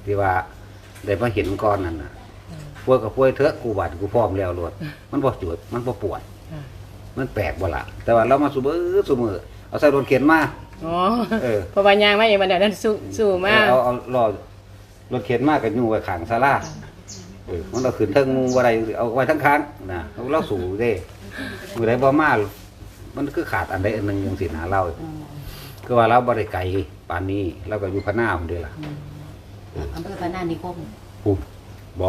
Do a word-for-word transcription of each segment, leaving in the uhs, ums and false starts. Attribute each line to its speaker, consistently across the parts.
Speaker 1: ที่ว่าได้มาเห็นก่อนนั่นน่ะป่วยกับป่วยเถอะกูบาดกูพร้อมแล้วรวดมันบ่จุดมันบ่ปวดมันแปลกบ่ล่ะแต่ว่าเรามาสูบเออสูบมือเอาใส่รถเข็นมา
Speaker 2: อ๋อเออเพราะว่ายางมาอย่างมันเดี๋ยวนั้นสู้สู้มาก
Speaker 1: เอาเอารอรถเข็นมากกับอยู่ไว้ข้างศาลาเออมันเราขึ้นเทิงงูอะไรเอาไว้ทั้งค้างนะเราสู่เด้มือใดบ่มามันคือขาดอันใดอันหนึ่งอย่างสิหาเราก็ว่าเราบ่ได้ไกลปานนี้เราก็อยู่พะหน้าคนเดียวล่ะ
Speaker 3: อำเภอพะหน้านิคม
Speaker 1: ปุ๊บบ่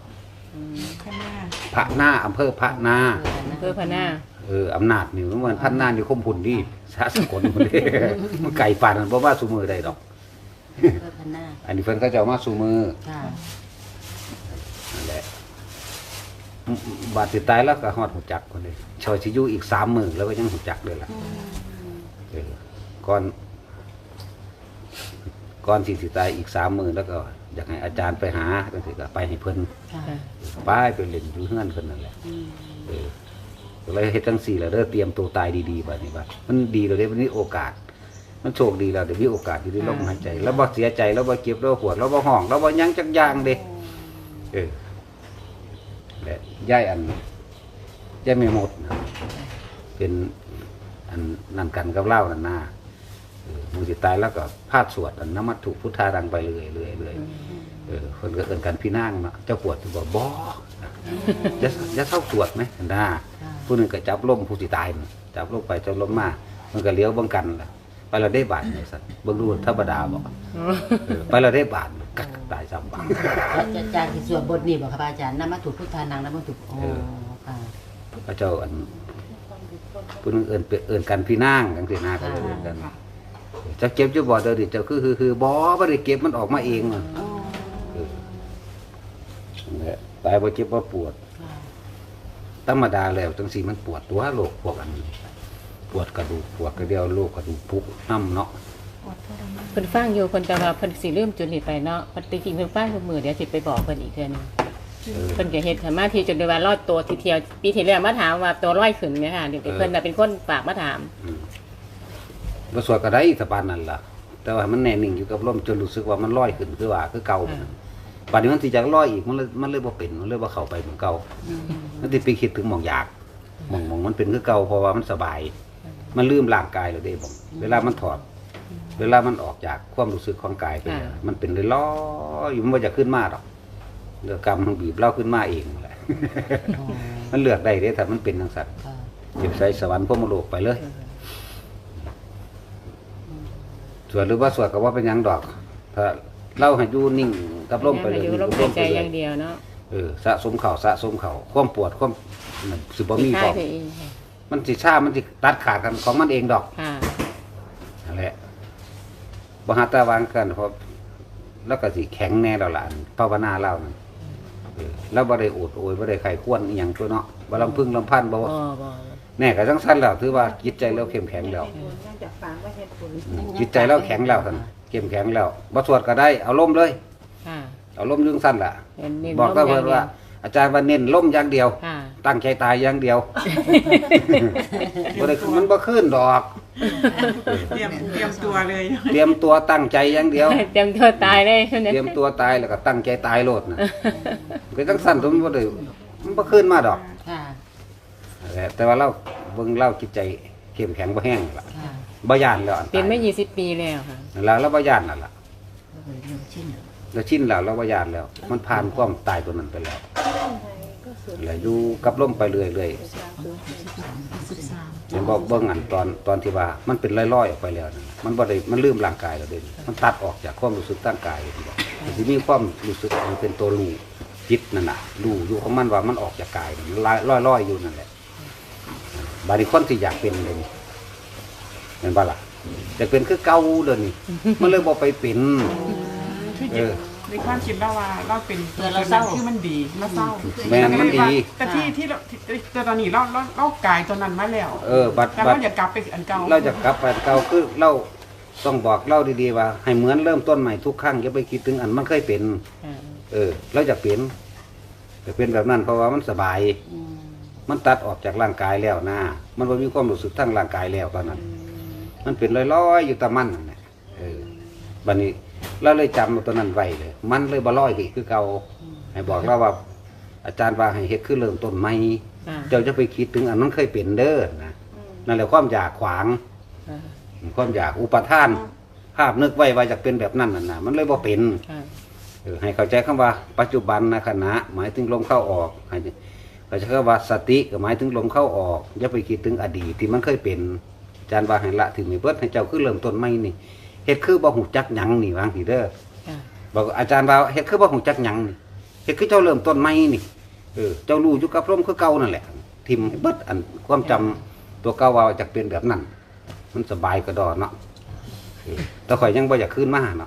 Speaker 1: พระหน้าอำเภอพระหน้า
Speaker 2: อำเภอพะหน้า
Speaker 1: เอออำนาจนี่มันพันหน้าอยู่คมพุ่นดีสาสกลคนนี้มันไก่ปานนั้นบ่ว่าสู่มือได้ดอกอันนี้เพิ่นก็จะเอามาสู่มือนั่นแหละบาดสิตายแล้วก็ฮอดหูจักคนนี้ชอยสิอยู่อีกสามมื้อแล้วก็ยังหูจักเลยล่ะเออก่อนก่อนสิสิตายอีกสามมื้อแล้วก็อยากให้อาจารย์ไปหาจังซี่ก็ไปให้เพิ่นไปไปเล่นอยู่เฮือนเพิ่นนั่นแหละเออก็เลยเฮ็ดจังซี่แล้วเด้อเตรียมตัวตายดีๆบัดนี้บัดมันดีแล้วเด้วันนี้โอกาสมันโชคดีแล้วเดี๋ยวมีโอกาสอยู่ได้ลมหายใจแล้วบ่เสียใจแล้วบ่เก็บแล้วปวดแล้วบ่ห้องแล้วบ่ยังจักอย่างเด้เออและย่ายอันย่ายไม่หมดเป็นอันนั่นกันกับเล่านั่นนาเออมือสิตายแล้วก็พาดสวดอันน้ำมัตถุพุทธาดังไปเรื่อยเรื่อยเรื่อยเออคนก็เอิ้นกันพี่นางเนาะเจ้าปวดบ่บ่จะจะเท่าสวดไหมนะผู้หนึ่งก็จับล้มผู้สิตายจับล้มไปจับล้มมามันก็เลี้ยวบังกันล่ะไปเราได้บาทเนี่ยสัตว์เบิ่งดูธรรมดาบอกไปเราได้บาทกักตายซ้ำบาท
Speaker 3: อาจารย์ที่สวดบทนี้บอกครับอาจารย์น้ำมัตถุพุทธานังน้ำมัตถุอ๋อค่ะ
Speaker 1: พระเจ้าอันผู้นึงเอิญเอิญกันพี่นางกันสินาก็เลยกันจะเก็บจะบ่เดี๋ยวดิเจ้าคือคือคือบ่ไม่ได้เก็บมันออกมาเองอ่ะตายบ่เจ็บบ่ปวดธรรมดาแล้วจังสีมันปวดตัวโรคพวกอันปวดกระดูกปวดกระเดียวโรคกระดูกพุกน้ำเนาะ
Speaker 2: เพิ่นฟังอยู่เพิ่นจะว่าเพิ่นสิลืมจุดนี้ไปเนาะปฏิจริงเพิ่นฟังทุกมื้อเดี๋ยวสิไปบอกเพิ่นอีกเทื่อนึงเพิ่นก็เฮ็ดสมาธิจนได้ว่ารอดตัวทีเดียวปีที่แล้วมาถามว่าตัวร้อยขึ้นเนี่ยค่ะเดี๋ยวเพิ่นน่ะเป็นคนฝากมาถาม
Speaker 1: บ่สวดก็ได้สปานนั่นล่ะแต่ว่ามันแน่นิ่งอยู่กับลมจนรู้สึกว่ามันลอยขึ้นคือว่าคือเก่าป่านนี้มันสิจะลอยอีกมันเลยมันเลยบ่เป็นมันเลยบ่เข้าไปเหมือนเก่ามันสิไปคิดถึงหม่องอยากหม่องหม่องมันเป็นคือเก่าเพราะว่ามันสบายมันลืมร่างกายแล้วเด้บ่เวลามันถอดเวลามันออกจากความรู้สึกของกายไปมันเป็นลอยอยู่มันบ่จะขึ้นมาหรอกเลือกกรรมมันบีบเราขึ้นมาเองแหละมันเลือกได้เด้ถ้ามันเป็นจังซั่นสิใส่สวรรค์พรหมโลกไปเลยสวดหรือว่าสวดก็ว่าเป็นหยังดอกถ้าเล่าให้อยู่นิ่งกับลมไปเลย
Speaker 2: อยู่ลมใจอย่างเดียวเนาะ
Speaker 1: เออสะสมเข่าสะสมเข่าความปวดความสิบ่มีของมันสิชามันสิตัดขาดกันของมันเองดอกนั่นแหละบ่หาตาวางกันเพราะแล้วก็สิแข็งแน่แล้วล่ะภาวนาเล่านั่นเออแล้วบ่ได้โอดโอยบ่ได้ไข้ควรอีหยังตัวเนาะบ่ลำพึงลำพันบ่แน่ก็จังซั่นแล้วถือว่าจิตใจเราเข้มแข็งแล้วจิตใจเราแข็งแล้วท่านเข้มแข็งแล้วบ่สวดก็ได้เอาล้มเลยเอาล้มยุ่งสั้นล่ะบอกก็เพิ่นว่าอาจารย์ว่าเน้นล้มอย่างเดียวตั้งใจตายอย่างเดียวบ่ได้มันบ่ขึ้นดอก
Speaker 4: เตรียมเตรียมตัวเลย
Speaker 1: เตรียมตัวตั้งใจอย่างเดียว
Speaker 2: เตรียมตัวตายเลย
Speaker 1: เตรียมตัวตายแล้วก็ตั้งใจตายโลดน่ะก็จังซั่นตัวมันบ่ได้มันบ่ขึ้นมาดอกแต่ว่าเราเบิ่งเราจิตใจเข้มแข็งบ่แห้งล่ะบ่ย่านแล้ว
Speaker 2: เป็นมายี่สิบปีแล้วค่ะ
Speaker 1: แล้วเราบ่ย่านนั่นล่ะแล้วชินแล้วเราบ่ย่านแล้วมันผ่านความตายตัวนั้นไปแล้วแล้วอยู่กับลมไปเรื่อยๆเห็นบ่เบิ่งอันตอนตอนที่ว่ามันเป็นลอยๆออกไปแล้วมันบ่ได้มันลืมร่างกายแล้วเด้มันตัดออกจากความรู้สึกร่างกายมันสิมีความรู้สึกมันเป็นตัวรู้จิตนั่นน่ะรู้อยู่ของมันว่ามันออกจากกายมันลอยๆอยู่นั่นแหละบางคนที่อยากเป็นเลยเห็นป่ะล่ะอยากเป็นคือเก่าเดี๋ยวนี้มันเลยบอกไปเป็น
Speaker 4: เออในความคิดเราว่าเราเป็นเราเศร้าคือมันดีเราเศร้า
Speaker 1: แม่มันดี
Speaker 4: แต่ที่ที่แต่ตอนนี้เราเราเรากายตอนนั้นมาแล้ว
Speaker 1: เออบัด
Speaker 4: แต่เราอยากกลับไปอันเก่า
Speaker 1: เราจะกลับไปอันเก่าคือเราต้องบอกเล่าดีๆว่าให้เหมือนเริ่มต้นใหม่ทุกครั้งอย่าไปคิดถึงอันมันเคยเป็นเออเราจะเปลี่ยนจะเป็นแบบนั้นเพราะว่ามันสบายมันตัดออกจากร่างกายแล้วนะมันไม่มีความรู้สึกทั้งร่างกายแล้วตอนนั้นมันเป็นลอยๆอยู่ตะมันนั่นแหละเออบัดนี้เราเลยจำตัวนั้นไว้เลยมันเลยบ่ลอยอีกคือเก่าให้บอกเราว่า อาจารย์ว่าให้เฮ็ดคือเริ่มต้นใหม่
Speaker 2: ค่ะ
Speaker 1: เจ้าจะไปคิดถึงอันนั้นเคยเป็นเด้อนะนั่นแหละความอยากขวาง
Speaker 2: ค่ะ
Speaker 1: ความอยากอุปทาน ภาพนึกไว้ว่าจะเป็นแบบนั้นน่ะนะมันเลยบ่เป็น
Speaker 2: ค่ะ
Speaker 1: เออให้เข้าใจคำว่า ปัจจุบันนะขณะหมายถึงลมเข้าออกให้เข้าใจคำว่าสติก็หมายถึงลมเข้าออกอย่าไปคิดถึงอดีตที่มันเคยเป็นอาจารย์ว่าให้ละถึงนี่เบิดให้เจ้าคือเริ่มต้นใหม่นี่เฮ็ดคือบ่ฮู้จักหยังนี่วางสิเด้อ
Speaker 2: ค่ะ
Speaker 1: บอกอาจารย์ว่าเฮ็ดคือบ่ฮู้จักหยังนี่เฮ็ดคือเจ้าเริ่มต้นใหม่นี่เออเจ้ารู้อยู่กับลมคือเก่านั่นแหละทิ่มให้เบิดอันความจำตัวเก่าว่าจะเป็นแบบนั้น มันสบายกระดอเนาะเออแต่ข่อยยังบ่อยากขึ้นมาเนาะ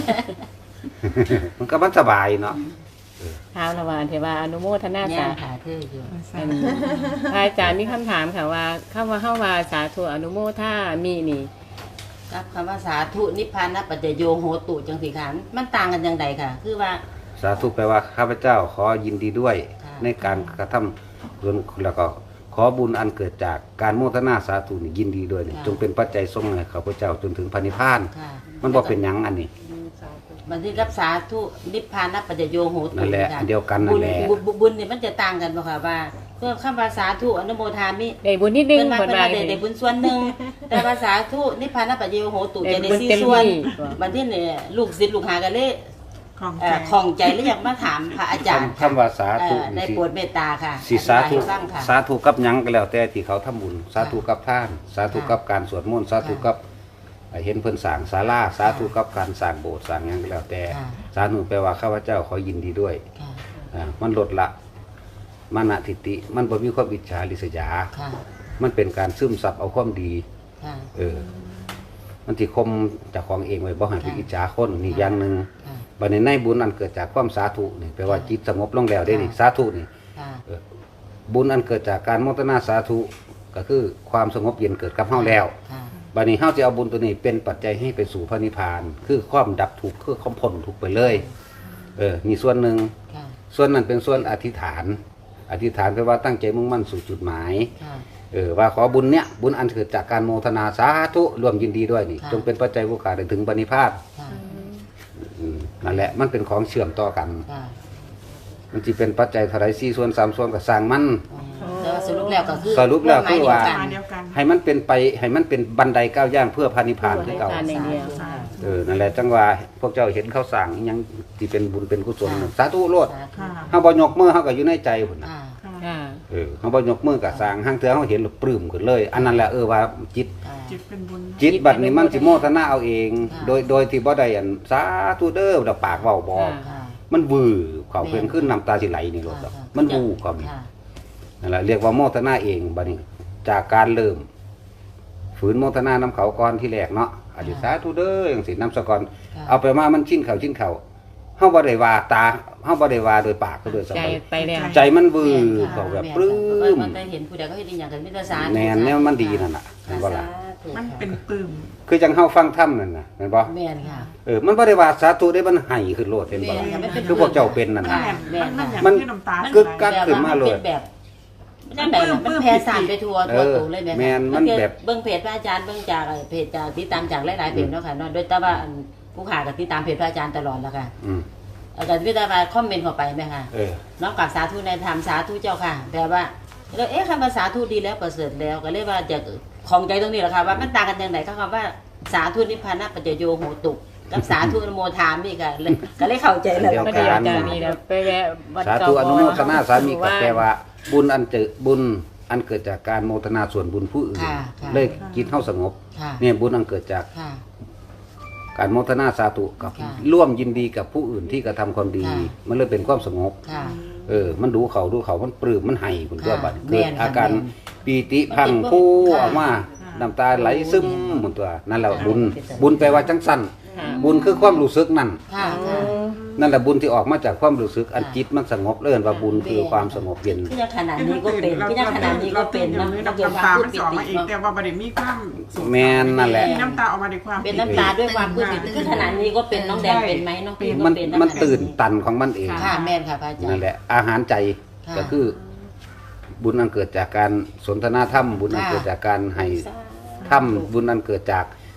Speaker 1: มันก็มันสบายเนาะ
Speaker 2: ท้าวละวานเทวาอนุโมทนา
Speaker 3: ย่า
Speaker 2: สา
Speaker 3: ขาเธออยู่
Speaker 2: อันพระอาจารย์มีคำถามค่ะว่าคำว่าเฮาว่าสาธุอนุโมทามีนี่
Speaker 3: ครับคำว่าสาธุนิพพานะปัจจโยโหตุจังสิค่ะมันต่างกันอย่างไรค่ะ คือว่า
Speaker 1: สาธุแปลว่าข้าพเจ้าขอยินดีด้วย
Speaker 3: ค่ะ
Speaker 1: ในการกระทำส่วนแล้วก็ขอบุญอันเกิดจากการโมทนาสาธุนี่ยินดีด้วยนี่จงเป็นปัจจัยส่งให้ข้าพเจ้าจนถึงพระนิพพาน
Speaker 3: ค่ะ
Speaker 1: มันบ่เป็นหยังอันนี้
Speaker 3: มันที่รับสาธุนิพพานะปัจจโยโหตุ
Speaker 1: นั่นแหละ
Speaker 3: ค่
Speaker 1: อันเดียวกันนั่นแหละ
Speaker 3: บุญบุญบุญเนี่ยมันจะต่างกันบ่ค่ะว่าเพื่อคำว่าสาธุอนุโมทามิ
Speaker 2: ได้บุญนิดนึง
Speaker 3: เป็นมา
Speaker 2: เพิ่น
Speaker 3: เป็น
Speaker 2: ว่า
Speaker 3: มาได้ได้บุญส่วนหนึ่งแต่ภาษาทุนิพพานะปัจเจโยโหตุจะได้สี่
Speaker 2: ได้บุญเต็ม
Speaker 3: ส่วน
Speaker 2: ที่
Speaker 3: บัดนี้เนี่ยลูกศิษย์ลูกหากันเลย
Speaker 4: ของ
Speaker 3: เอ่
Speaker 4: ใจ
Speaker 3: อของใจแล้วอยากมาถามพระอาจารย์
Speaker 1: คำว่าสาธุ
Speaker 3: เอ่อได้
Speaker 1: นี่สิ
Speaker 3: โปรดเมตตาค่ะ
Speaker 1: สิสาธุ
Speaker 3: อธิบยให้ฟังค่ะ
Speaker 1: สาธุกับหยังก็แล้วแต่ที่เขาทำบุญสาธุกับท่าน สาธุกับการสวดมนต์สาธุกับเห็นเพิ่นสร้างศาลาสาธุกับการสร้างโบสถ์สร้างหยังก็แล้วแต่
Speaker 3: ค่ะ
Speaker 1: สาธุแปลว่าข้าพเจ้าขอยินดีด้วย
Speaker 3: ค่ะ
Speaker 1: อ่ามันลดละมานะทิฏฐิมันบ่มีความอิจฉาริษยา
Speaker 3: ค่ะ
Speaker 1: มันเป็นการซึมซับเอาความดี
Speaker 3: ค่ะ
Speaker 1: เออ มันสิคมเจากของเองไว้บ่ให้ไป
Speaker 3: ค่ะ
Speaker 1: อิจฉาคนนี่อย่างหนึง
Speaker 3: ค่ะ
Speaker 1: บัดนี้ในบุญอันเกิดจากความสาธุนี่แปลว่าจิตสงบลงแล้วได้นี่
Speaker 3: ค่ะ
Speaker 1: สาธุนี่
Speaker 3: ค่ะ
Speaker 1: เออบุญอันเกิดจากการโมทนาสาธุก็คือความสงบเย็นเกิดกับเฮาแล้ว
Speaker 3: ค่ะ
Speaker 1: บัดนี้เฮาจะเอาบุญตัวนี้เป็นปัจจัยให้ไปสู่พระนิพพาน คือความดับทุกข์คือความพ้นทุกข์ไปเลย เออนี่ส่วนหนึ่ง
Speaker 3: ค่ะ
Speaker 1: ส่วนนั้นเป็นส่วนอธิษฐาน อธิษฐานแปลว่าตั้งใจมุ่งมั่นสู่จุดหมาย
Speaker 3: ค่ะ
Speaker 1: เออว่าขอบุญเนี้ยบุญอันเกิดจากการโมทนาสาธุรวมยินดีด้วยนี่
Speaker 3: ค่ะ
Speaker 1: จงเป็นปัจจัยผู้ขาได้ถึงปณิพพาน
Speaker 3: ค่ะ
Speaker 1: อืมนั่นแหละมันเป็นของเชื่อมต่อกัน
Speaker 3: ค่ะ
Speaker 1: มันจะเป็นปัจจัยเท่าไรสี่ส่วนสามส่วนก็สร้างมัน
Speaker 3: อ๋อแต่ว่าสรุปแล้วก็คือ
Speaker 1: สรุปแล้วคือว่า
Speaker 3: หมย
Speaker 4: มา
Speaker 3: เดี
Speaker 4: เดี
Speaker 3: ย
Speaker 4: ยวกัน
Speaker 1: ให้มันเป็นไปให้มันเป็นบันไดก้าวย่างเพื่อพระนิพพานคือเก่า
Speaker 2: ทานอย่างเดียว
Speaker 4: สาธุ
Speaker 1: เออนั่นแหละจังว่าพวกเจ้าเห็นเขาสั่งอิหยังที่เป็นบุญเป็นกุศลน่ะสาธุโลด
Speaker 3: สาธุ
Speaker 4: ค่ะ
Speaker 1: เฮาบ่ยกมือเฮาก็อยู่ในใจพุ่นน่ะ
Speaker 3: อ่า
Speaker 4: ค่ะ
Speaker 2: ค่ะ
Speaker 1: เออเฮาบ่ยกมือก็สร้างห้างเทื่อเฮาเห็นแล้วปลื้มขึ้นเลย อันนั้นแหละเออว่าจิต
Speaker 3: อ่า
Speaker 4: จิตเป็นบุญ
Speaker 1: จิตบัดนี้มันสิโมทนาเอาเอง
Speaker 3: ค่ะ
Speaker 1: โดยโดยที่บ่ได้อันสาธุเด้อแล้วปากเว้าบอก
Speaker 3: ค่ะ
Speaker 1: มันวือเขาเพิ่นขึ้นน้ำตาสิไหลนี่โลดดอกมันวูเขานี่
Speaker 3: ค่ะ
Speaker 1: นั่นแหละเรียกว่าโมทนาเองบัดนี้ จากการเริ่ม ฝืนโมทนาน้ำเขาก่อนที่แรกเนาะอธิษฐานทุเด้อจังซี่น้ำสะกอน
Speaker 3: ค่ะ
Speaker 1: เอาไปมามันชิ้นเขาชิ้นเขาเฮาบ่ได้ว่าตาเฮาบ่ได้ว่าโดยปากก็โดยส
Speaker 2: ใจ
Speaker 1: มอง
Speaker 2: ไปแล้ว
Speaker 1: ใจมันวือ
Speaker 3: แม่นค่ะ
Speaker 1: เขาแบบ
Speaker 3: ม่น
Speaker 1: ปลื้
Speaker 3: ค่ะ
Speaker 1: ม
Speaker 3: มันได้เห็นผู้ใดก็เฮ็ดอีหยังกันมิตรสาร
Speaker 1: แน่นเนี่ยมันดีนั่นน่ะเห็นบ่ล่ะ
Speaker 4: มันเป็นปลื้ม
Speaker 1: คือจังเฮาฟังธรรมนั่นน่ะเห็นบ่
Speaker 3: แม่นค่ะ
Speaker 1: เออมันบ่ได้ว่าสาธุได้มันให้ขึ้นโลดเห็นบ่
Speaker 3: แม่นค่ะมันเป็น
Speaker 1: คือพวกเจ้าเป็นนั่น
Speaker 3: ค่ะ
Speaker 1: น่ะ
Speaker 4: แม่นมันอย่าง
Speaker 1: มัน
Speaker 4: ที่น้ำตา
Speaker 1: กึกกัก ขึ้นมาเลย
Speaker 3: แบบว่ามันเป็นแบบมันแบบมันแผ่สารไปทั่วทั่วตัวเลยแม่
Speaker 1: แม่นมันแบบ
Speaker 3: เบิ่งเพจพระอาจารย์เบิ่งจากเพจจากติดตามจากหลายๆเพจเนาะค่ะเนาะโดยแต่ว่าอันผู้ขาก็ติดตามเพจพระอาจารย์ตลอดแล้วค่ะ
Speaker 1: อืม
Speaker 3: อาจารย์วิทยาว่าคอมเมนต์เข้าไปไหมคะ
Speaker 1: เออ
Speaker 3: น้องกับสาธุในธรรมสาธุเจ้าค่ะแต่ว่าแล้วเอ๊ะคำว่าสาธุดีแล้วประเสริฐแล้วก็เลยว่าจะของใจตรงนี้แหละค่ะว่ามันต่างกันอย่างไรก็คำว่าสาธุนิพพานะปัจจโยโหตุกับสาธุอนุโมทามิค่ะเลยก็เลยเข้าใจแล้ว
Speaker 1: เดี๋ยว
Speaker 2: ก็เดียวอาจารย์นี่แล้วไปแวะวัด
Speaker 1: สา
Speaker 2: เก่า
Speaker 1: ธุอนุโมทนาสามี
Speaker 2: ห
Speaker 1: ก็แปลว่า บุญอันเจอบุญอันเกิดจากการโมทนาส่วนบุญผู้อื่น
Speaker 3: ค่ะค่ะ
Speaker 1: เลยจิตเฮาสงบ
Speaker 3: ค่ะ
Speaker 1: เนี่ยบุญอันเกิดจาก
Speaker 3: ค่ะ
Speaker 1: การโมทนาสาธุกับ
Speaker 3: ค่ะ
Speaker 1: ร่วมยินดีกับผู้อื่นที่กระทำความดี
Speaker 3: ค่ะ
Speaker 1: มันเลยเป็นความสงบ
Speaker 3: ค่ะ
Speaker 1: เออ มันดูเขาดูเขามันปลื้มมันให้คุณตัว
Speaker 3: ค่ะ
Speaker 1: บัด
Speaker 3: แม่
Speaker 1: เกิด
Speaker 3: นค่ะ
Speaker 1: อาการ
Speaker 3: แม่น
Speaker 1: ปีติพังผู้
Speaker 3: ค่ะ
Speaker 1: ออกมาน้ำตาไหลซึมหมดตัวนั่นแหละบุญ
Speaker 3: ค่ะ
Speaker 1: บุญแปลว่าจังสั้น
Speaker 2: ค่ะ
Speaker 1: บุญคือความรู้สึกนั่น
Speaker 3: ค่ะค่ะ
Speaker 1: นั่นแหละบุญที่ออกมาจากความรู้สึกอันจิตมันสงบเลื่อนว่าบุญคือความสงบเย็น
Speaker 3: คือยังขนาดนี้ก็เป็นคือยังขนาดนี้ก็เป็นเนาะ
Speaker 4: น้ำ
Speaker 3: เกิดควา
Speaker 4: ตาม
Speaker 3: ปลื้
Speaker 4: มัน
Speaker 3: มปิ
Speaker 4: สออก
Speaker 3: ติ
Speaker 4: มาเอง
Speaker 3: เนาะ
Speaker 4: แต่ว่าประเด็นมีความสุข
Speaker 1: แม่นนั่นแหละ
Speaker 4: มีน้ำตาออกมาด้วยความ
Speaker 3: เป็นน้ำตาด้วยความปลื้มปิติคือขนาดนี้ก็เป็นน้องแดงเป็นไหมน้องปิ่นก็
Speaker 1: มัน
Speaker 3: เป็น
Speaker 1: มัน
Speaker 3: ขนาด
Speaker 1: ตื่นตันของมันเอง
Speaker 3: ค่ะแม่นค่ะพระอาจารย์
Speaker 1: นั่นแหละ อาหารใจ
Speaker 3: ค่ะ
Speaker 1: ก็คือ บุญอันเกิดจากการสนทนาธรรม บุญอัน
Speaker 3: ค่ะ
Speaker 1: เกิดจากการให้ธรรมบุญอันเกิดจาก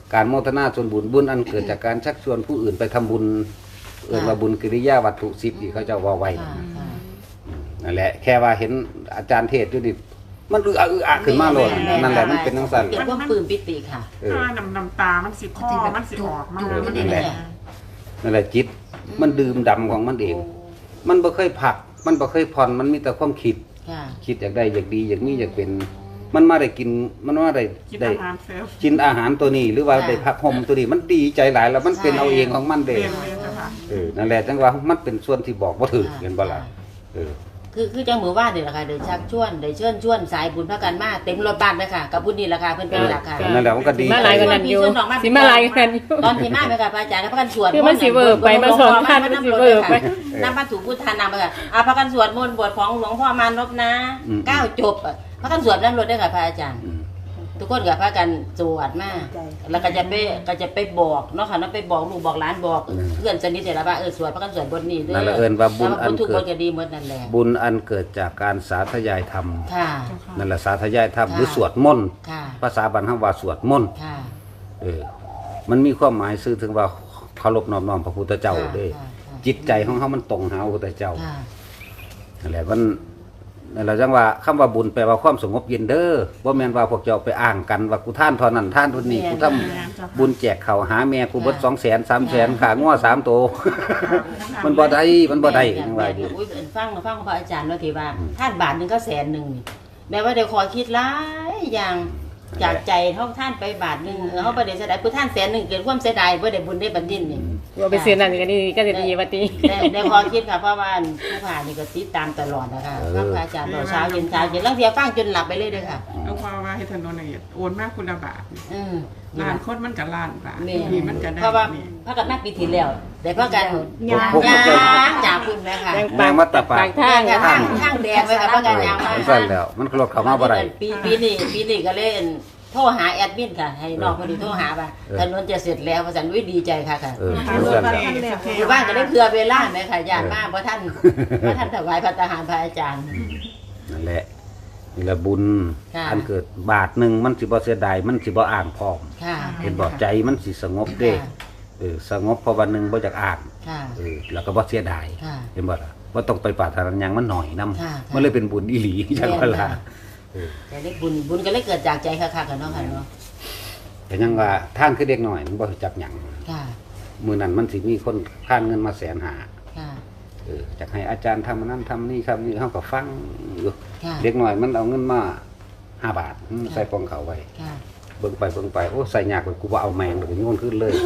Speaker 1: การโมทนาส่วนบุญบุญอันเกิดจากการชักชวนผู้อื่นไปทำบุญเอื่นว่าบุญกิริยาวัตถุสิบที่เขาเจะว่าไว้
Speaker 3: ค่ะค่ะ
Speaker 1: นั่นแหละแค่ว่าเห็นอาจารย์เทศน์อยู่นี่มันอึอะอึอะขึ้นมาเลยนั่นแหละมันเป็นทั้งสั้น
Speaker 3: เป็นความปลื้มปิติค่ะ
Speaker 1: เออ
Speaker 4: ถ้าน้ำน้ำตา มันสิคอมันสิออกมา
Speaker 3: จุก
Speaker 4: มัน
Speaker 3: นี่
Speaker 4: แห
Speaker 3: แห
Speaker 4: ละ
Speaker 3: ละ
Speaker 1: นั่นแหละจิตมันดื่มดำของมันเอง มันบ่เคยผัก มันบ่เคยผ่อนมันมีแต่ความคิด
Speaker 3: ค่ะ
Speaker 1: คิดอยากได้อยากดีอยากมีอยากเป็น มันมาได้กินมันมาได้
Speaker 4: กิน
Speaker 1: ได้
Speaker 4: อาหารเซลล์
Speaker 1: กินอาหารตัวนี้ หรือว่าได้พักห่มตัวนี้มันดีใจหลายแล้วมันเป็นเอาเองของมันเด้
Speaker 4: เรียนเรียนจ้ะค่ะ
Speaker 1: เออนั่นแหละจังว่ามันเป็นส่วนที่บอกบ่ถูกเห็นบ่ล่ะเออ
Speaker 3: คือคือจังหมู่บ้านนี่แหละค่ะเดี๋ยวชักชวนเดี๋ยวเชิญชวนสายบุญพระกันมาเต็มรถบ้านเลยค่ะกับบุญนี่แหละค่ะเพิ่นเป็นหลักค่ะ
Speaker 1: นั่นแหละมันก็ดี
Speaker 2: มาหลายกว่านั้นอยู่สิมาหลายกว่านั้นอยู่
Speaker 3: ตอนที่มาไหมค่ะพระอาจารย์แล้วพระกันสวด
Speaker 2: คือมันสิเวิร์กไปมาสอนท่านมันสิเวิร์กไป
Speaker 3: น้ำพระถูพุทธานำไปค่ะอ่าพระกันสวดมนต์บทของหลวงพ่อมานพนะเก้าจบอ่ะพระกันสวดน้ำรถได้ค่ะพระอาจารย์
Speaker 1: อืม
Speaker 3: ทุกคนกับพระกันสวดมากแล้วก็จะไปก็จะไปบอกเนาะค่ะเนาะไปบอกลูกบอกหลานบอกเพื่อนสนิทเนี่ยละว่าเออสวดพระกันสวดบทนี้เด้อ
Speaker 1: นั่นแหละเอิ้นว่าบุญอัน
Speaker 3: ทุก
Speaker 1: เกิ
Speaker 3: ค
Speaker 1: ด
Speaker 3: นก็ดีหมดนั่นแหละ
Speaker 1: บุญอันเกิดจากการสาธยายธรรม
Speaker 3: ค่ะ
Speaker 1: นั่นแหละสาธยายธรรม
Speaker 3: ค่ะ
Speaker 1: หรือสวดมนต์
Speaker 3: ค่ะ
Speaker 1: ภาษาบรรพว่าสวดมนต์
Speaker 3: ค่ะ
Speaker 1: เออมันมีความหมายซื่อถึงว่าเคารพน้อมน้อมพระพุทธเจ้าเด้อ
Speaker 3: ค่ะค่ะ
Speaker 1: จิตใจของเขามันตรงหาพระพุทธเจ้า
Speaker 3: ค่ะ
Speaker 1: นั่นแหละมันนั่นแหละจังว่าคำว่าบุญแปลว่าความสงบเย็นเด้อบ่แม่นว่าพวกเจ้าไปอ้างกันว่ากูท่านเท่านั้นท่านเท่านี้กูทำบุญแจกข้าวหาแม่กูเบิด สองแสน สามแสนขางัวสามโตว มันบ่ได้มันบ่ได้
Speaker 3: แม่
Speaker 1: จัง
Speaker 3: แม่
Speaker 1: ว่าอยู่
Speaker 3: อุ้ยฟังฟังพระอาจารย์ว่าที่ว่าท่านบาทหนึงก็แสนหนึงนี่แม้ว่าเดี๋ยวขอคิดหลายอย่างจากใจเฮาท่านไปบาทหนึงเออเฮาบ่ได้เสียดายผู้ท่านแสนหนึงเกิดความเสียดายบ่ได้บุญได้บัญญินนี่
Speaker 2: ว่าไปซื้อนั่นก็ดีก็จะดีว่าติ
Speaker 3: ได้ได้ขอคิดค่ะเพราะว่าผู้ผ่านนี่ก็ติดตามตลอดนะคะฟังพระอาจารย์ตอนเช้าเย็นเช้าเย็นแล้วเที่ยฟังจนหลับไปเลยเด้อค่ะ
Speaker 4: เอาพอว่าให้ถนนละเอียดโอนมากคุณละบาท
Speaker 3: อืม
Speaker 4: ล้านคนมันกับล้านบาท
Speaker 3: แม่
Speaker 4: นี่มันก็ได้
Speaker 3: เพราะว่า
Speaker 4: นี่
Speaker 3: พระกันมาปีที่แล้วแต่พระกัน
Speaker 2: ยาง
Speaker 3: ยางจากคุณแม่ค่ะ
Speaker 2: แดง
Speaker 1: แมงมัตตปา
Speaker 2: ปาก กทาง
Speaker 3: ทางทางแดงไว้ค่ะพระกันยางมา
Speaker 1: สั่นแล้ว มันรถเข้ามาบ่ได้
Speaker 3: ปีปีนี้ปีนี้ก็เล่นโทรหาแอดมินค่ะ ให้น้องพอดีโทรหาว่า
Speaker 1: เออ
Speaker 3: ถนนจะเสร็จแล้วพระสันวิดีใจค่ะค่ะ
Speaker 1: เออสั่นแล้ว
Speaker 3: อยู่บ้านก็ได้เผื่อเวลาไหมค่ะญาติมากเพราะท่านเพราะท่านถวายพระทหารพระอาจารย์
Speaker 1: นั่นแหละนี่แหละบุญ
Speaker 3: ค่ะ
Speaker 1: อันเกิดบาทหนึงมันสิบ่เสียดายมันสิบ่อ้างพร้อม
Speaker 3: ค่ะ
Speaker 1: เห็นบ่ใจมันสิสงบเด้เออสงบเพราะวันหนึงบ่อยากอ้าง
Speaker 3: ค่ะ
Speaker 1: เออแล้วก็บ่เสียดาย
Speaker 3: ค่ะ
Speaker 1: เห็นบ่ล่ะว่าต้องไปปรารถนาหยังมันหน่อยนำ
Speaker 3: ค่ะ
Speaker 1: มันเลยเป็นบุญอีหลีจังว่าล่ะ
Speaker 3: แต่ได้บุญบุญก็เลยเกิดจากใจค่ะค่ะกันเนาะค่ะเนาะ
Speaker 1: แต่ยังว่าทางคือเด็กน้อยมันบ่รู้จักหยัง
Speaker 3: ค่ะ
Speaker 1: มื้อนั้นมันสิมีคนค้านเงินมาแสนหา
Speaker 3: ค่ะ
Speaker 1: เออจักให้อาจารย์ทำอันนั้นทำนี่ครับนี่เฮาก็ฟังอยู่
Speaker 3: ค่ะ
Speaker 1: เด็กน้อยมันเอาเงินมาห้าบาทอืมใส่ปองเขาไว้
Speaker 3: ค่ะ
Speaker 1: เบิ่งไปเบิ่งไปโอ้ใส่ยากกว่ากูบ่เอาแมงดอกโยนขึ้นเลย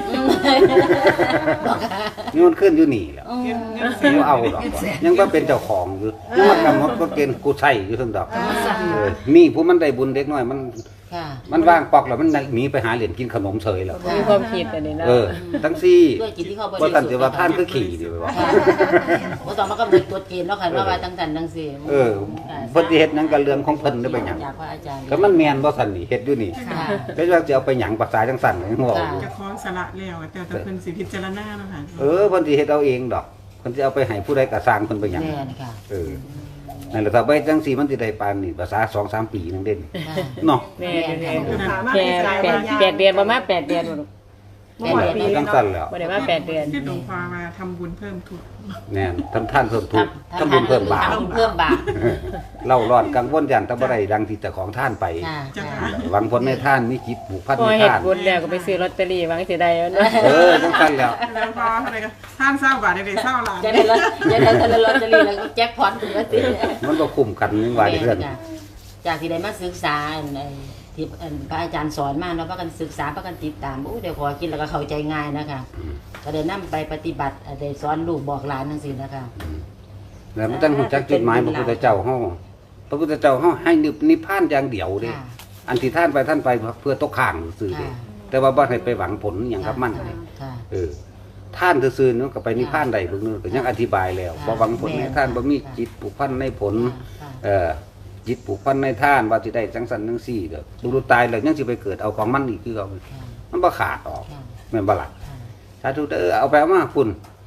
Speaker 3: บอกค่ะ
Speaker 1: โยนขึ้นอยู่นี่แหล้ว
Speaker 3: อืม
Speaker 1: ยังบ่เอาดอกว่ะยังว่าเป็นเจ้าของอยู่ยังว่ากำหนดกฎเกณฑ์กูใส่อยู่ซั่นดอกเออนี่ผู้มันได้บุญเด็กน้อยมัน
Speaker 3: ค่ะ
Speaker 1: มันว่างปอกแล้วมันหนีไปหาเหรียญกินขนมเฉยแล้ว
Speaker 2: มีความคิดอันนี้นะ
Speaker 1: เออทั้งซี่
Speaker 3: ด้วยจิตที่เขาบริ
Speaker 1: ว่า
Speaker 3: สุ
Speaker 1: ท่าน
Speaker 3: ทธิ์
Speaker 1: จะว่าท่านคือขี่ดีไปว่า
Speaker 3: ค่ะบ่ต้องมากำหนดกฎเกณฑ์เนาะค่ะเนาะว่าตั้งแต่ตั้งสี่
Speaker 1: เออเพิ่นสิเฮ็ดหยังกับเรื่องของเพิ่นได้ไปหยัง
Speaker 3: จากพระอาจารย์
Speaker 1: ก็มันแม่นบ่ซั่นนี่เฮ็ดอยู่นี่
Speaker 3: ค่ะ
Speaker 1: ก็ว่าจะเอาไปหยังภาษาจังซั่นก็ยังบอกอยู่
Speaker 4: จะคล้องสละแล้วแต่แต่เพิ่นสิพิจารณาเนาะค่ะ
Speaker 1: เออเพิ่นสิเฮ็ดเอาเองดอกเพิ่นสิเอาไปให้ผู้ใดก็สร้างเพิ่นไปหยัง
Speaker 3: แม่นค่ะ
Speaker 1: เออนั่นแหละถ้าไปจังซี่มันสิได้ปานนี่ภาษา สองสาม ปีนึงเด่น
Speaker 3: ค่ะ
Speaker 1: เนาะ
Speaker 2: แม่แม่แปดแปดเดือนประมาณแปดเดือนบ่ลูก
Speaker 3: แม่นแม่น
Speaker 1: จังซั่นแล้ว
Speaker 2: บ่ได้ว่าแปดเดือน
Speaker 4: ที่หลวงพ่อมาทำบุญเพิ่มทุน
Speaker 1: แน่นทำท่านเพิ่มทุกข์ทำบุญเพิ่มบาป
Speaker 3: ทำบุญเพิ่มบาป
Speaker 1: เล่าร้อนกังวลยันแต่บ่ได้ดังที่แต่ของท่านไป
Speaker 3: ค่ะ
Speaker 4: จ้ะ
Speaker 3: ค่ะ
Speaker 1: หวังผลในท่านมีจิตผูกพัน
Speaker 2: พอ
Speaker 1: ใน
Speaker 2: เฮ็ด
Speaker 1: ท่าน
Speaker 2: บุญแล้วก็ไปซื้อลอตเตอรี่หวังสิได้เอาเนาะ
Speaker 1: เออจังซั่นแล้ว
Speaker 4: แล้วพอเท่าไหร่ก็ท่านเศร้าบาทได้เศร้าล้าน
Speaker 3: จะได้ลอตจะได้ทะเลลอตเตอรี่แล้วก็แจ็คพอตถึงว่าติ
Speaker 1: มันก็คุ้มกันนึงว่าเรื่อง
Speaker 3: ค่ะจากที่ได้มาศึกษาอันไอ้ที่อันพระอาจารย์สอนมาเนาะพากันศึกษาพากันติดตามโอ้เดี๋ยวขอคิดแล้วก็เข้าใจง่ายนะคะก็ได้นำไปปฏิบัติได้สอนลูกบอกหลานจังซี่นะคะ
Speaker 1: แล้วมันต้องรู้จักจุดหมายพระพุทธเจ้าเฮาพระพุทธเจ้าเฮาให้นิพพานอย่างเดียวเด้
Speaker 3: ค่ะ
Speaker 1: อันที่ท่านไปท่านไปเพื่อตกข้างซื่อเด้
Speaker 3: ค่ะ
Speaker 1: แต่ว่าบ่ให้ไปหวังผลหยังกับมันเด้
Speaker 3: ค่ะ
Speaker 1: เออท่านซื่อๆเนาะก็ไปนิพพานได้เบิ่งนึงก็ยังอธิบายแล้วบ่หวังผลในท่านบ่มีจิตผูกพันในผล
Speaker 3: ค่ะ
Speaker 1: เออจิตผูกพันในท่านว่าสิได้จังสันจังซี่เด้อดูดูตายแล้วยังสิไปเกิดเอาของมันอีกคือเอา
Speaker 3: ค่ะ
Speaker 1: มันบ่ขาดออก
Speaker 3: ค่ะ
Speaker 1: แม่นบ่ล่ะ
Speaker 3: ค่ะ
Speaker 1: สาธุเด้อเอาไปเอามาคุณ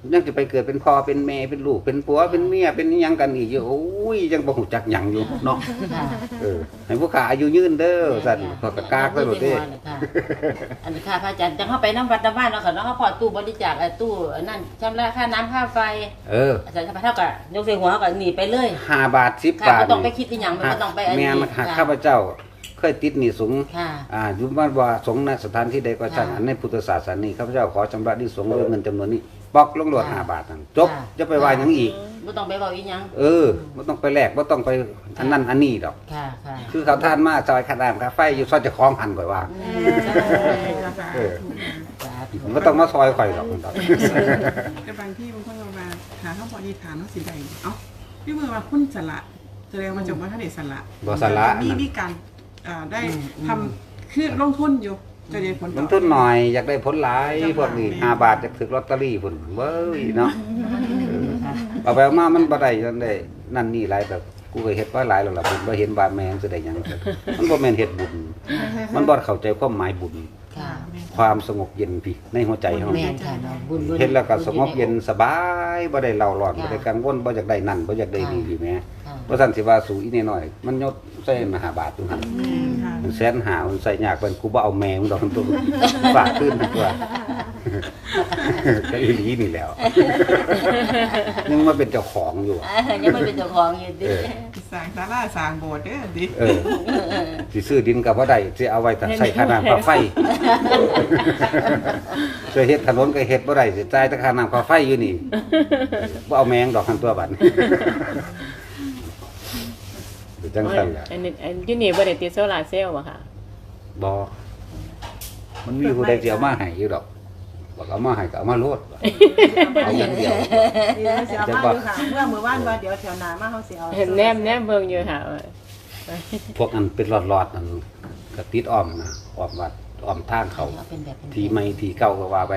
Speaker 1: ยังจะไปเกิดเป็นพ่อเป็นแม่เป็นลูกเป็นผัวเป็นเมียเป็นหยังกันอีกอยู่โอ้ยยังบ่ฮู้จักหยังอยู่เนาะ
Speaker 3: ค่ะ
Speaker 1: เออให้ผู้ขาอายุยืนเด้อสั่นก็กะกากซะโลดเด้
Speaker 3: ค่ะอันนี้ค่ะพระอาจารย์จังเข้าไปน้ำวัดน้ำบ้านเนาะค่ะเนาะเขาพอตู้บริจาคไอ้ตู้นั่นชำระค่าน้ำค่าไฟ
Speaker 1: เออ
Speaker 3: อาจารย์เท่ากับยกใส่หัวเขาก็หนีไปเลย
Speaker 1: ห้าบาทสิบ
Speaker 3: ค่ะ
Speaker 1: บาท
Speaker 3: ไม่ต้องไปคิดอีหยังไม่ต้องไปอัน
Speaker 1: แม่
Speaker 3: นี้
Speaker 1: มาหาข้าพเจ้าเคยติดหนี้สงฆ์
Speaker 3: ค่ะ
Speaker 1: อ่าอยู่บ้านว่าสงฆ์ในสถานที่ใดก็ช่าง
Speaker 3: ค่ะ
Speaker 1: อันในพุทธศาสนานี้ข้าพเจ้าขอชำระหนี้สงฆ์ด้วยเงินจำนวนนี้ปอกลงโลด
Speaker 3: ค่ะ
Speaker 1: ห้าบาทนั่นจบ
Speaker 3: ค่ะ
Speaker 1: จะไปว่าหยังอีก
Speaker 3: ไม่ต้องไปบอกอีหยัง
Speaker 1: เออบ่ต้องไปแลกบ่ต้องไปอันนั้นอันนี้ดอก
Speaker 3: ค่ะค่ะ
Speaker 1: คือเขาทานมาซอยค่าน้ำค่าไฟอยู่ซอยเจะคล้าของหันก่อยว่า เออ ผมก็ต้องมาซอยข่อยดอกมันดอก
Speaker 4: แต่บางที่บางคนเรามาหาเขาพอดีฐานเขาสิใดเอ้าพี่มือว่าคุณสละแสดงมาจากว่าท่านเอกสละ
Speaker 1: บ่สละ
Speaker 4: มีมีการอ่าได้ทำคือลงทุนอยู่จะได้ผล
Speaker 1: ลงทุนหน่อยอยากได้ผลหลายพวกนี้ห้าบาทจะถึกลอตเตอรี่พุ่นเว้ยเนาะเอาไปเอามามันบ่ได้จังได้นั่นนี่หลายแบบกูก็เฮ็ดไว้หลายแล้วล่ะบุญบ่เห็นบาดแม่งสิได้หยังมันบ่แม่นเฮ็ดบุญมันบ่เข้าใจความหมายบุญ
Speaker 3: ค่ะ
Speaker 1: ความสงบเย็นพี่ในหัวใจเฮา
Speaker 3: แม่นค่ะเนาะบุญบุญ
Speaker 1: เฮ็ดแล้วก็สงบเย็นสบายบ่ได้เล่าร้อน
Speaker 3: ค่ะ
Speaker 1: บ่ได้กังวลบ่อยากได้นั่นบ่อยากได้นี่พี่แม่
Speaker 3: ค่ะ
Speaker 1: บ่ซั่นสิว่าสู่อีน้อยๆมันยศใส่มาห้าบาทอยู่หั่น
Speaker 4: ค่ะ
Speaker 1: มันแสนหามันใส่ยากเป็นกูบ่เอาแมวดอกตัวฝากขึ้นดีกว่าก็อีหลีนี่แหล้วยังมาเป็นเจ้าของอยู่
Speaker 3: อ่ายังไม่เป็นเจ้าของอยู่ดิ
Speaker 1: เออ
Speaker 4: สร้างศาลาสร้างโบสถ์เด้อดิ
Speaker 1: เออสิซื้อดินกับว่าได้สิเอาไว้แต่ใส่ค่าน้ำค่าไฟจะเฮ็ดถนนก็เฮ็ดบ่ได้สิจ่ายแต่ค่าน้ำค่าไฟอยู่นี่บ่เอาแมงดอกหันตัวบัดเป็นจังซั่นแหละ
Speaker 2: อันนี้อันอยูนี่บ่ได้ติดโซลาร์เซลล์บ่ค่ะ
Speaker 1: บ่มันมีผู้ใดสิเอามาให้อยู่ดอกบอกเอามาให้ก็เอามาโลดเอาอย่างเดียว
Speaker 5: เดี๋ยวเสียมาอยู่ค่ะเมื่อมื้อวานว่าเดี๋ยวแถวหน้ามาเฮาสิเอา
Speaker 2: เห็นแนมแนมเบิ่งอยู่ค่ะ
Speaker 1: พวกอันเป็นหลอดๆนั่นก็ติดอ้อมนะอ้อมวัดอ้อมทางเขา
Speaker 3: เอาเป็นแบบเป็น
Speaker 1: ทีใหม่ทีเก่าก็ว่าไป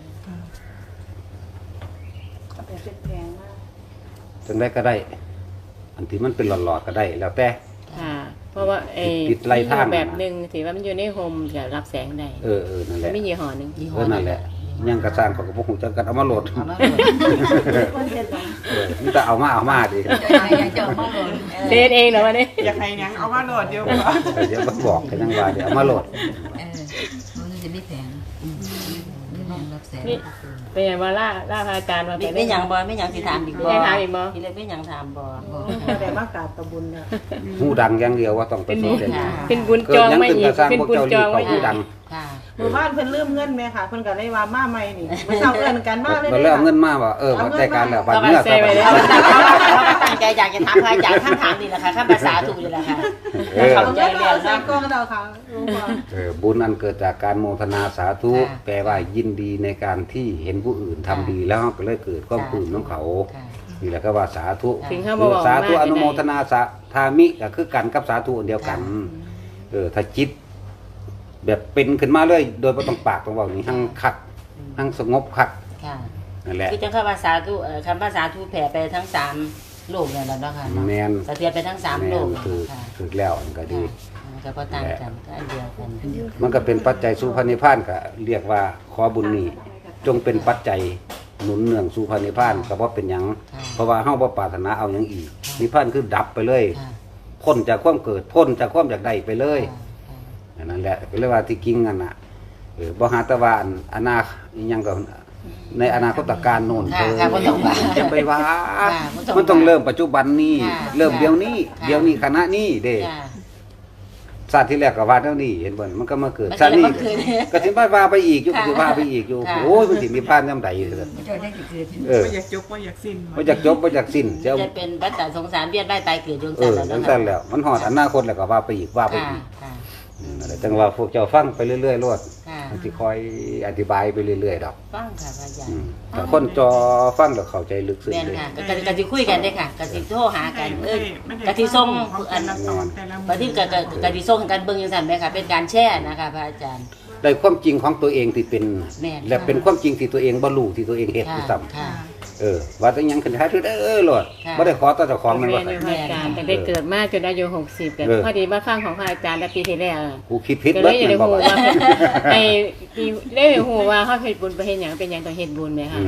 Speaker 5: เอาไปเป็นแพงมาก
Speaker 1: จังได้ก็ได้ อันที่มันเป็นหลอดๆก็ได้ แล้วแต่
Speaker 2: ค่ะ เพราะว่าไอ้
Speaker 1: ติดไล่ทาง
Speaker 2: แบบหนึงที่ว่ามันอยู่ในโฮมจะรับแสงได้
Speaker 1: เออเออนั่นแห
Speaker 2: มัน
Speaker 1: ละ
Speaker 2: มียี่ห้อหนึง
Speaker 3: ยี่ห้
Speaker 1: เออนั่นแหละยังกระสร้างเขาก็บ่ฮู้จักกันเอามาโหลด
Speaker 3: เอามา
Speaker 5: มันเป็นแบบ
Speaker 1: เออนี่แต่เอามาเอามาดิ
Speaker 3: อยากจะเอามาโหลด
Speaker 2: เซตเองเหรอวะเนี่ย
Speaker 4: อยากให้หยังเอามาโหลดเดียวบ่
Speaker 1: เออเดี๋ยวมันบอกกันยังว่าเดี๋ยวเอามาโหลด
Speaker 6: เออมันจะไม่แพงไม่แพงรับแสน
Speaker 2: นี่เป็นไงว่าล่าล่าพระอาจารย์มา
Speaker 3: มีไม่หยังบ่ไม่หยังสิถามอีกบ่
Speaker 2: ไม่ถามอีกบ่
Speaker 3: มีเลยไม่หยังถามบ่
Speaker 5: บ่ได้มากราบตะบุญเนี่ย
Speaker 1: ฮู้ดังอย่างเดียวว่าต้องไปสนใจ
Speaker 3: ค่ะ
Speaker 2: เป็นบุญ
Speaker 1: เกิ
Speaker 2: จ
Speaker 1: ด
Speaker 2: อง
Speaker 1: หยัง
Speaker 2: ไม่
Speaker 1: ขึ้น
Speaker 2: อี
Speaker 1: ก็
Speaker 2: ก
Speaker 1: สร้าง
Speaker 2: เป็น
Speaker 1: พวก
Speaker 2: บุญ
Speaker 1: เจ้า
Speaker 2: จ
Speaker 1: รี
Speaker 2: อง
Speaker 1: เขา
Speaker 2: ไม่
Speaker 1: ฮู้
Speaker 2: อีก
Speaker 1: ดัง
Speaker 3: ค่ะ
Speaker 5: หมู่บ้านเพิ่นลืมเงินแม่ค่ะเพิ่นก็เลยว่ามาใหม่นี่มื้อเช้าเอิ้นกันมาเลย
Speaker 1: มันเริ่มเงินมาว่าเออมันได้การแล้วบัด
Speaker 2: เอา
Speaker 1: เมื่อ
Speaker 2: เซ
Speaker 1: ต่อ
Speaker 2: ไว้
Speaker 1: ไป
Speaker 2: แล้ว
Speaker 3: เราก็ตั้งใจอยากจะถามพระอาจารย์ข้างถามนี่แหละค่ะข้าภาษาถูกนี่แหละค่ะ
Speaker 1: เออ
Speaker 3: เข้า
Speaker 5: เอา
Speaker 3: ใจ
Speaker 5: เงิน
Speaker 3: เรีย
Speaker 5: เอา
Speaker 3: น
Speaker 5: ใส่
Speaker 3: นะ
Speaker 5: กล่องเราค่ะรู้บ่
Speaker 1: เออบุญอันเกิดจากการโมทนาสาธุ
Speaker 3: ค่ะ
Speaker 1: แปลว่ายินดีในการที่เห็นผู้อื่นทำดีแล้วก็เลยเกิดความปลื้มของเขา
Speaker 3: ค่ะ
Speaker 1: นี่แหละก็ว่าสาธุ
Speaker 2: ถึงเขาบอกว่า
Speaker 1: สาธุ
Speaker 2: มาก
Speaker 1: อนุโมท
Speaker 2: ได้
Speaker 1: นาสาทามิก็คือกันกับสาธุอันเดียวกัน
Speaker 3: ค่ะ
Speaker 1: เออถ้าจิต แบบเป็นขึ้นมาเลยโดยบ่ต้องปากต้องเว้านี่หั่งคักหั่งสงบคัก
Speaker 3: ค่ะ
Speaker 1: นั่นแหละ
Speaker 3: คือจังคำภาษาทุเอ่อคำภาษาทุแผ่ไปทั้งสามโลกเนี่ยแหล้วเนาะค่ะเนาะ
Speaker 1: แม่น
Speaker 3: สะเทือนไปทั้งสามโลก
Speaker 1: แม่นคือ
Speaker 3: ค่ะ
Speaker 1: คือแล้วอันก็ดี
Speaker 3: ค่ะก็ต่างกันก็อันเดียวกัน
Speaker 1: มันก็เป็นปัจจัยสู่พระนิพพานก็เรียกว่าขอบุญนี้จงเป็นปัจจัยหนุนเนื่องสู่พระนิพพานก็บ่เป็นหยัง
Speaker 3: ค่ะ
Speaker 1: เพราะว่าเฮาบ่ปรารถนาเอาหยังอีกนิพพานคือดับไปเลย
Speaker 3: ค่ะ
Speaker 1: พ้นจากความเกิดพ้นจากความอยากได้ไปเลย
Speaker 3: ค่ะ
Speaker 1: อันนั้นแหละก็เรียกว่าที่กิ้งกันน่ะเออบ่หาแตะวาอันอนาอิหยังก็ในอนาคตการโน่น
Speaker 3: ค่ะค่ะบ่ต้องว่า
Speaker 1: จะไปว่า
Speaker 3: ค่ะบ่ต้องว่า
Speaker 1: มันต้องเริ่มปัจจุบันนี้
Speaker 3: ค่ะ
Speaker 1: เริ่มเดี๋ยวนี้
Speaker 3: ค่ะ
Speaker 1: เดี๋ยวนี้ขณะนี้เด้
Speaker 3: ค่ะ
Speaker 1: ชาติที่แรกก็ว่าเท่านี้เห็นบ่มันก็มาเกิด
Speaker 3: มันก็
Speaker 1: ชาตินี้
Speaker 3: เลยมาเกิด
Speaker 1: ก็สิมาว่าไปอีกอยู่
Speaker 3: ค่ะ
Speaker 1: ก็สิว่าไปอีกอยู่
Speaker 3: ค่ะ
Speaker 1: โอ้ยมันสิมีพานยามใดเด้อ
Speaker 6: เจ้าได้กี่เกิด
Speaker 1: เออ
Speaker 4: บ่อยากจบบ่อยากสิ้น
Speaker 1: บ่อยากจบบ่อยากสิ้นจะเอา
Speaker 3: จะเป็นวัฏฏะสงสารเวียนว่ายตายเกิดดวง
Speaker 1: เอ
Speaker 3: จันท
Speaker 1: อ
Speaker 3: ร์แล้ว
Speaker 1: จัง
Speaker 3: เนาะ
Speaker 1: ซั่นแล้ว มันฮอดอนาคตแล้วก็ว่าไปอีกว่าไป
Speaker 3: ค่ะ
Speaker 1: อีก
Speaker 3: ค่ะ
Speaker 1: อืมนั่นแหละจังว่าพวกเจ้าฟังไปเรื่อยๆโลด
Speaker 3: ค่ะ
Speaker 1: มันสิคอยอธิบายไปเรื่อยๆดอก
Speaker 3: ฟังค่ะพระอาจาร
Speaker 1: อื
Speaker 3: ย์
Speaker 1: มแต่คนจอฟังแล้วเข้าใจลึกซึ้ง
Speaker 3: แม่น
Speaker 1: เลย
Speaker 3: ค่ะกะกะสิคุยกันได้ค่ะกะสิโทรหากันเออกะสิส่งอัน
Speaker 4: ละตอนแต่ละ
Speaker 3: บัดนี้กะกะกะสิส่งให้กันเบิ่งจังซั่นแม่ค่ะเป็นการแชร์นะคะพระอาจารย์
Speaker 1: ได้ความจริงของตัวเองที่เป็น
Speaker 3: แม่น
Speaker 1: และเป็นความจริงที่ตัวเองบ่รู้ที่ตัวเองเฮ็ด
Speaker 3: ค่ะ
Speaker 1: ที่ซ้ํ
Speaker 3: ค่ะ
Speaker 1: เออว่าแต่หยังขึ้นท้ายคือเด้อโลด
Speaker 3: ค่ะ
Speaker 1: บ่ได้ขอต่อเจ้าของมัน
Speaker 2: แม่
Speaker 1: ว่า
Speaker 2: นอยู่พระอาจารย์แต่ได้เกิดมาจนอายุหกสิบแต่
Speaker 1: เออ
Speaker 2: พอดีมาฟังของพระอาจารย์แต่ปีที่แล้ว
Speaker 1: กูคิดผิด
Speaker 2: ก็เล
Speaker 1: เบิด
Speaker 2: ยอยู่ใน
Speaker 1: แม่นบ่
Speaker 2: หู
Speaker 1: ว่า
Speaker 2: ว่าไอ้ที่ได้หูว่าเขาเฮ็ดบุญไปเฮ็ดหยังเป็นหยังต้องเฮ็ดบุญไหมคะ
Speaker 1: อืม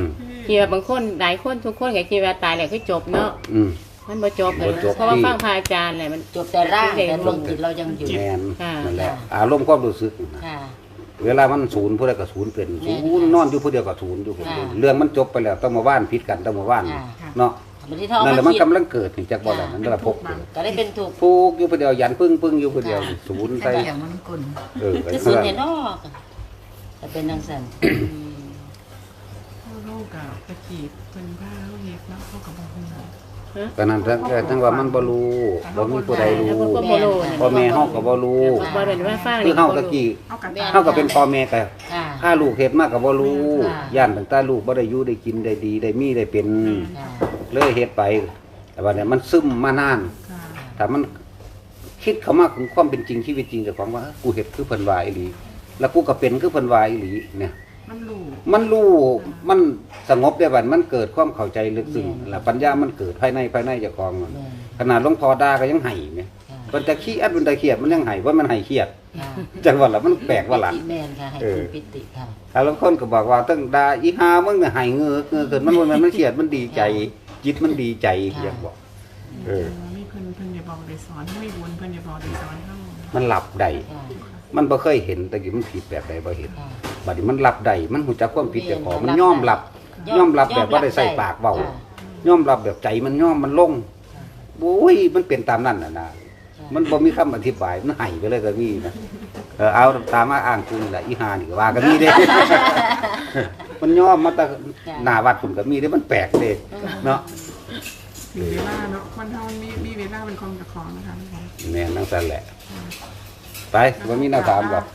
Speaker 2: คิดว่าบางคนหลายคนทุกคนก็คิดว่าตายแล้วคือจบเนาะ
Speaker 1: อืม
Speaker 2: มันบ่จบเลย
Speaker 1: บ่จบ
Speaker 2: เพราะว่าฟังพระอาจารย์แหละมัน
Speaker 3: จบแต่ร่างแต่ดวงจิตเรายังอยู่
Speaker 1: แม่น
Speaker 2: ค่ะ
Speaker 1: นั่นแหละอารมณ์ความรู้สึกนะ
Speaker 3: ค่ะ
Speaker 1: เวลามันศูนย์ผู้ใดก็ศูนย์เป็น
Speaker 3: แม่น
Speaker 1: ศูนย์นอนอยู่ผู้เดียวก็ศูนย์อยู่ผู้เดียว
Speaker 3: ค่ะ
Speaker 1: เรื่องมันจบไปแล้วต้องมาว่านพิษกันต้องมาว่าน
Speaker 3: ค่ะ
Speaker 1: เนาะ
Speaker 3: บางทีเขาเอา
Speaker 1: นั่นแหละ
Speaker 3: มา
Speaker 1: มัน
Speaker 3: คิด
Speaker 1: กำลังเกิดนี่จากบ่แล้วนั่นแหละพก
Speaker 3: ก็ได้เป็นถูก
Speaker 1: ฟูกอยู่ผู้เดียวยันปึ้งปึ้งอยู่ผู้เดียว
Speaker 3: ค่ะ
Speaker 1: ศูนย์
Speaker 6: ใส่
Speaker 1: ใส่
Speaker 6: อย่างมันกุน
Speaker 1: เออ
Speaker 3: คือสิเนี่ยเนาะจะเป็นจังซั่น
Speaker 4: เข้าโลกกับตะกี้เป็นผ้าเขาเฮ็ดเนาะเขากับบอกว่า
Speaker 1: ก็นั่นทั้งทั้งว่ามันบ่รู้บ่มีผู้ใดรู้
Speaker 2: แล้วก็บ่รู้เนี่ย
Speaker 1: พ่อแม่เฮาก็บ่รู้
Speaker 2: บ่เป็นว่าฟัง
Speaker 1: คือ
Speaker 2: นี่
Speaker 1: เฮา
Speaker 2: บ่
Speaker 1: ตะ
Speaker 2: รู้
Speaker 1: กี้
Speaker 4: เอากับ
Speaker 1: เฮาก็เป็นพ่อแม่ก็
Speaker 3: ค่ะ
Speaker 1: ถ้าลูกเฮ็ดมากก็บ่รู้
Speaker 3: ค่ะ
Speaker 1: ย่านตั้งแต่ลูกบ่ได้อยู่ได้กินได้ดีได้มีได้เป็น
Speaker 3: ค่ะ
Speaker 1: เลยเฮ็ดไป แต่ว่าเนี่ยมันซึมมานาน
Speaker 4: ค่ะ
Speaker 1: ถ้ามันคิดเข้ามาถึงความเป็นจริงชีวิตจริงเจ้าของว่าเอ้อกูเฮ็ดคือเพิ่นว่าอีหลีแล้วกูก็เป็นคือเพิ่นว่าอีหลีเนี่ย
Speaker 4: มันรู้
Speaker 1: มันรู้มันสงบได้บัดมันเกิดความเข้าใจลึกซึ้งแล้วปัญญามันเกิดภายในภายในเจ้าของมัน
Speaker 3: แม่น
Speaker 1: ขนาดหลวงพ่อด่าก็ยังไห้แหม
Speaker 3: ค่ะ
Speaker 1: มันจะขี้อัดมันจะเครียดมันยังไห้ว่ามันไห้เครียด
Speaker 3: ค่ะ
Speaker 1: จังว่าล่ะมันแปลกว่าล่ะ
Speaker 3: แม่นค่ะให้
Speaker 1: เออ
Speaker 3: คุณปิติค่ะ
Speaker 1: ถ้าบางคนก็บอกว่าตั้งด่าอีหามึงน่ะไห้เงือกเงือกเกินมันบ่แม่นมันเครียดมันดีใจ จิตมันดีใจอย่างบอก เออ
Speaker 4: มีเพิ่นเพิ่นอย่าบอกได้สอนไม่วนเพิ่นอย่าบอกได้สอนเฮา
Speaker 1: มันหลับได้
Speaker 3: ค่ะ
Speaker 1: มันบ่เคยเห็นแต่กี้มันผิดแบบใดบ่เห็น
Speaker 3: ค่ะ
Speaker 1: บัดนี้มันหลับได้มันหูจักความผิดเจ้าของมัน
Speaker 3: รับ
Speaker 1: ยอมรับ
Speaker 3: ได้
Speaker 1: ยอมรับแบบบ่ได้ใส่ปากเว้า
Speaker 3: ค่ะ
Speaker 1: ยอมรับแบบใจมันยอมมันลงโอ้ยมันเป็นตามนั้นน่ะนะมันบ่มีคำอธิบายมันไห้ไปเลยก็มีนะเออเอาตามมาอ้างกูนี่แหละอีหานี่ก็ว่าก็มีเด้ มันยอมมาแต่หน้าวัดผมก็มีเด้มันแปลกเด้เนาะ
Speaker 4: ถึงเวลาเนาะคนเฮามันมีมีเวลาเป็นของเจ้าของนะคะทุกคน
Speaker 1: แม่นจังซั่นแหละ ไปบ่มีแนวถามหรอก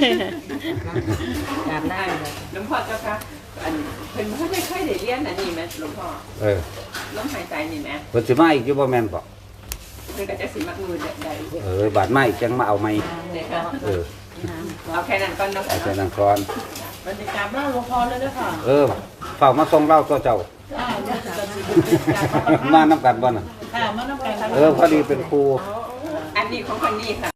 Speaker 3: กราบหน้าเลย
Speaker 7: หลวงพ่อเจ้าค่ะอันเพิ่นบ่ได้เคยได้เรียนอันนี้แม่หลวงพ่อ
Speaker 1: เออ
Speaker 7: ลมหายใจนี่แม่
Speaker 1: เพิ่นสิมาอีกอยู่บ่แม่นบ่
Speaker 7: เพิ่นก็จะสิมักมือใด
Speaker 1: เออบาดมาอีกจังมาเอาใหม่
Speaker 7: ๆเนี่ยค่ะ
Speaker 1: เออ
Speaker 7: เอาแค่นั้นก่อนเนาะ
Speaker 1: เอาแต่นั้นก่อน
Speaker 5: บรรยากาศบ้านหลวงพ่อเลยเด้อค่ะ
Speaker 1: เออเฝ้ามาส่งเราตัวเจ้า
Speaker 5: อ่าเดี๋ยวจะสิ
Speaker 1: มานํกันบ่น่ะ
Speaker 5: ค่ะมานำกัน
Speaker 1: เออพอดีเป็นครู
Speaker 7: อันนี้ของคนนี้ค่ะ